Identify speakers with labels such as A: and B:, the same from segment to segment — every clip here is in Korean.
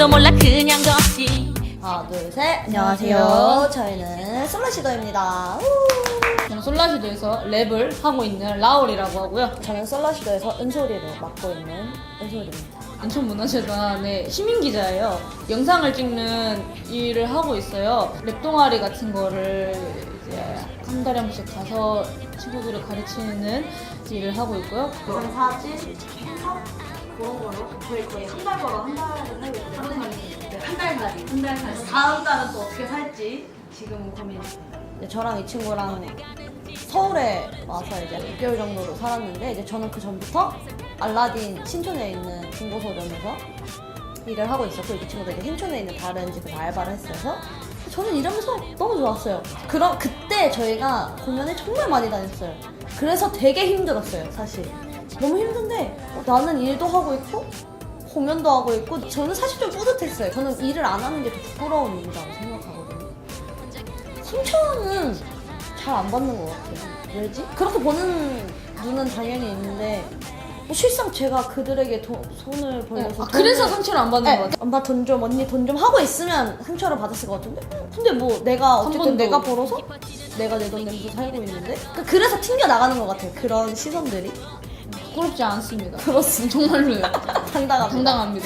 A: 줄도 몰라 그냥 걷지.
B: 하나 둘셋 안녕하세요. 저희는 솔라시도입니다.
C: 저는 솔라시도에서 랩을 하고 있는 라울이라고 하고요.
B: 저는 솔라시도에서 은솔이를 맡고 있는 은솔입니다.
C: 인천문화재단의 시민기자예요. 영상을 찍는 일을 하고 있어요. 랩 동아리 같은 거를 이제 한 달에 한 번씩 가서 친구들을 가르치는 일을 하고 있고요.
B: 영상 사진, 행사 그런 걸로 저희 거의 한 달 벌어 한 달을 살고 있거든요. 한 달 살이. 다음 달은 또 어떻게 살지 지금 고민입니다. 저랑 이 친구랑 서울에 와서 이제 6개월 정도로 살았는데 이제 저는 그 전부터 알라딘 신촌에 있는 중고서점에서 일을 하고 있었고 이 친구도 이제 신촌에 있는 다른 집에서 알바를 했어서 저는 일하면서 너무 좋았어요. 그럼 그때 저희가 공연을 정말 많이 다녔어요. 그래서 되게 힘들었어요, 사실. 너무 힘든데 나는 일도 하고 있고 공연도 하고 있고 저는 사실 좀 뿌듯했어요. 저는 일을 안 하는 게 더 부끄러운 일이라고 생각하거든요. 3,000원은 잘 안 받는 것 같아요. 왜지? 그렇게 보는 눈은 당연히 있는데 뭐 실상 제가 그들에게 손을 벌려서
C: 그래서 상처를 안 받는 것 같아요.
B: 엄마 돈 좀, 언니 돈 좀 하고 있으면 상처를 받았을 것 같은데? 근데 뭐 내가 어쨌든 내가 벌어서 내가 내 돈 내면서 살고 있는데 그래서 튕겨 나가는 것 같아요. 그런 시선들이.
C: 부끄럽지 않습니다.
B: 그렇습니다.
C: 정말로요.
B: 당당합니다.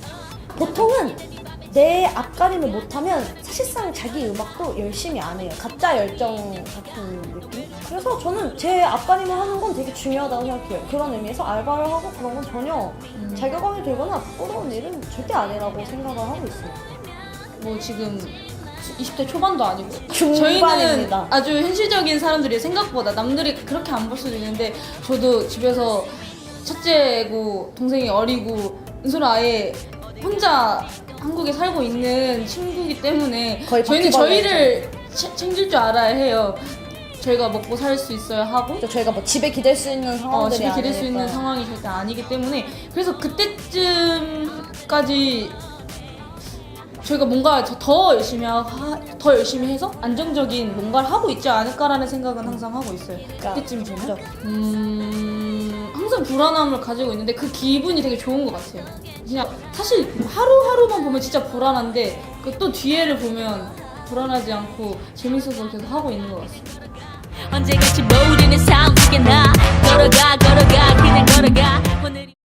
B: 보통은 내 앞가림을 못하면 사실상 자기 음악도 열심히 안 해요. 가짜 열정 같은 느낌? 그래서 저는 제 앞가림을 하는 건 되게 중요하다고 생각해요. 그런 의미에서 알바를 하고 그런 건 전혀 자괴감이 들거나 부끄러운 일은 절대 아니라고 생각을 하고 있어요.
C: 뭐 지금 20대 초반도 아니고
B: 중반입니다.
C: 저희는 아주 현실적인 사람들이 생각보다 남들이 그렇게 안 볼 수도 있는데 저도 집에서 첫째고 동생이 어리고 은솔은 아예 혼자 한국에 살고 있는 친구이기 때문에 저희는 저희를 챙길 줄 알아야 해요. 저희가 먹고 살 수 있어야 하고
B: 저희가 뭐 집에 기댈 수 있는 상황들이
C: 집에 기댈 수
B: 아니니까.
C: 있는 상황이 절대 아니기 때문에 그래서 그때쯤까지 저희가 뭔가 더 열심히 해서 안정적인 뭔가를 하고 있지 않을까라는 생각은 항상 하고 있어요. 그때쯤 되면 항상 불안함을 가지고 있는데 그 기분이 되게 좋은 것 같아요. 그냥 사실 하루하루만 보면 진짜 불안한데 그 또 뒤에를 보면 불안하지 않고 재밌어서 계속 하고 있는 것 같습니다.
A: 언제같이 모르는 상황 속에 나 걸어가 그냥 걸어가.